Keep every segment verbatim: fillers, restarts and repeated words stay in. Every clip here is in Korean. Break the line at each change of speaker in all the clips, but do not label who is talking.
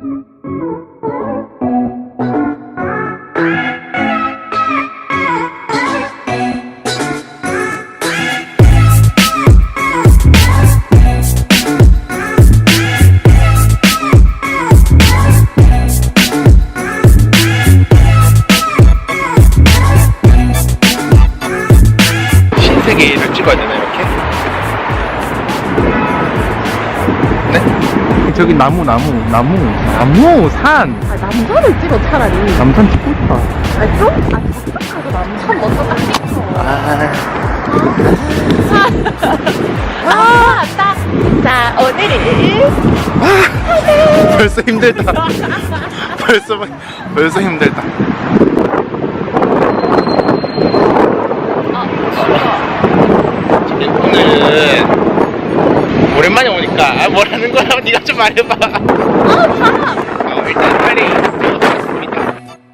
신세계를 찍어야 되나 이렇게? 네?
저기 나무 나무 나무 나무 산.
아, 남산을 찍어 차라리.
남산 찍고 있다.
아, 좀? 아, 저쪽 가서 남산 먼저 딱 찍어.
아,
아, 딱. 자, 오늘은.
벌써 힘들다. 벌써 벌써 힘들다. 오늘은 오랜만에 오니까 아, 뭐라는 거야? 네가 좀 말해봐.
아, 봐!
어, 일단 빨리 들어가겠습니다.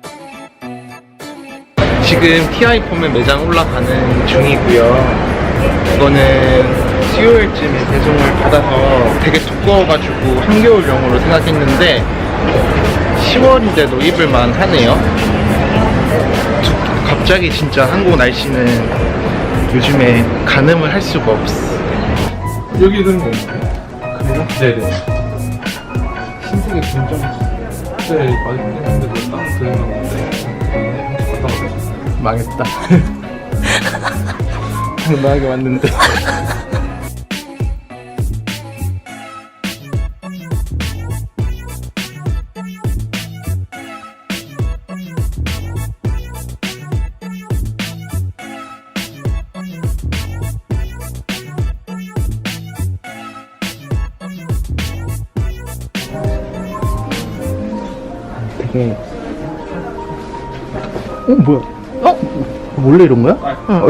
지금 티아이 폼의 매장 올라가는 중이고요. 이거는 수요일쯤에 배송을 받아서 되게 두꺼워가지고 한겨울용으로 생각했는데 시월인데도 입을만 하네요. 두- 갑자기 진짜 한국 날씨는 요즘에 가늠을 할 수가 없어.
여기 드는 거 그래요? 네네. 신세계 분점 네 많이 했는데 그거 땅 드는 건데 갔다 왔어요. 망했다. 당당하게 왔는데. 되게 어 뭐야? 어? 원래 이런 거야? 응.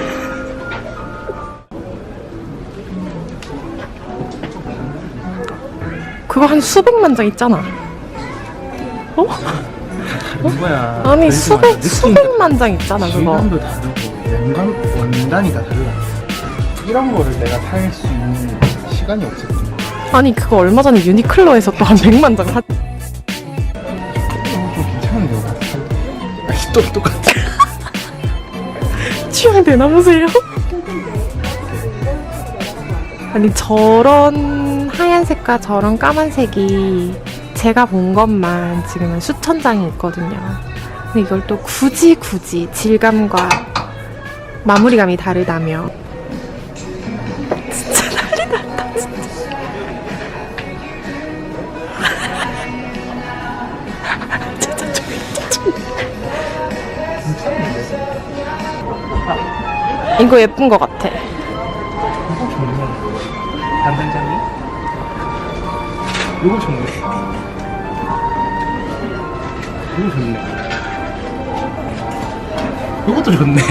그거 한 수백만 장 있잖아. 어?
뭐야?
아니, 수백, 수백만 장 있잖아, 그거.
질감도 다르고 원감 원단이 다 달라. 이런 거를 내가 살 수 있는 시간이 없었지.
아니, 그거 얼마 전에 유니클로에서 또 한 백만 장 사.
좀 괜찮은데 이거 같아. 아니 또 똑같아.
취향 되나 보세요? 아니, 저런 하얀색과 저런 까만색이 제가 본 것만 지금은 수천 장이 있거든요. 근데 이걸 또 굳이 굳이 질감과 마무리감이 다르다며. 진짜 난리 났다, 진짜. 진짜 좀, 진짜 좀. 이거 예쁜 것 같아.
이거 좋네. 단단장이? 이거 좋네. 이거 좋네. 이것도 좋네.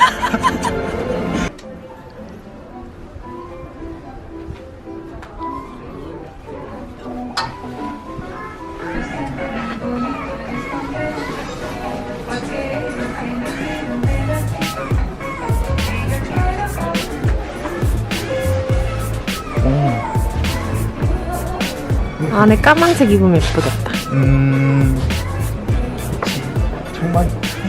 안에 까만색 입으면 예쁘겠다.
음. 그치. 정말.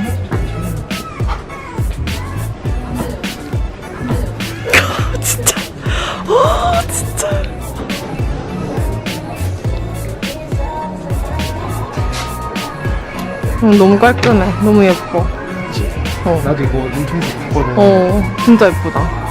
진짜. 어, 진짜. 음, 너무 깔끔해. 너무 예뻐.
그치.
어.
나도 이거 인터넷에서 봤거든.
어, 진짜 예쁘다.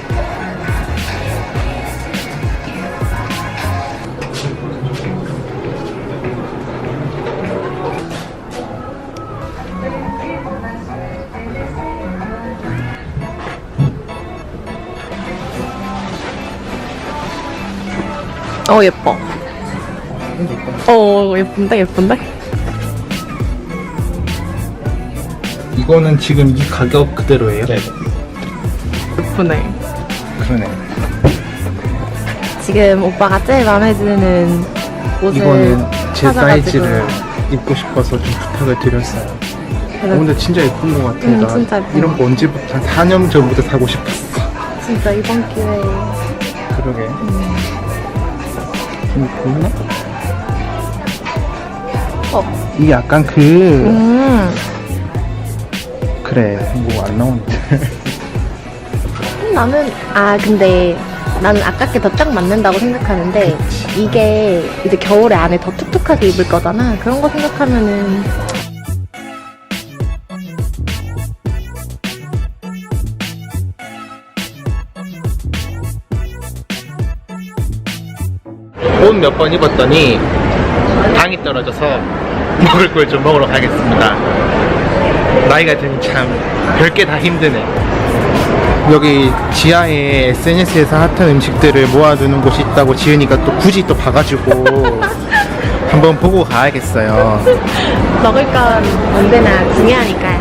어, 예뻐. 어, 예쁜데, 예쁜데?
이거는 지금 이 가격 그대로예요? 네.
예쁘네.
그러네.
지금 오빠가 제일 마음에 드는 옷을
이거는 제
찾아가지고.
사이즈를 입고 싶어서 좀 부탁을 드렸어요. 어,
그래서
근데 진짜 예쁜 것 같아.
응,
나
진짜 예쁜
이런
것
거 언제부터 한 사 년 전부터 사고 싶었어.
진짜 이번 기회에.
그러게.
음.
좀 보이나?
어.
이게 약간 그
음.
그래 뭐 안 나오는데.
나는 아 근데 나는 아깝게 더 딱 맞는다고 생각하는데 이게 이제 겨울에 안에 더 툭툭하게 입을 거잖아. 그런 거 생각하면은
옷 몇 번 입었더니 당이 떨어져서 먹을 걸 좀 먹으러 가겠습니다. 나이가 드니 참 별게 다 힘드네. 여기 지하에 에스엔에스에서 핫한 음식들을 모아두는 곳이 있다고 지은이가 또 굳이 또 봐가지고 한번 보고 가야겠어요.
먹을 건 언제나 중요하니까요.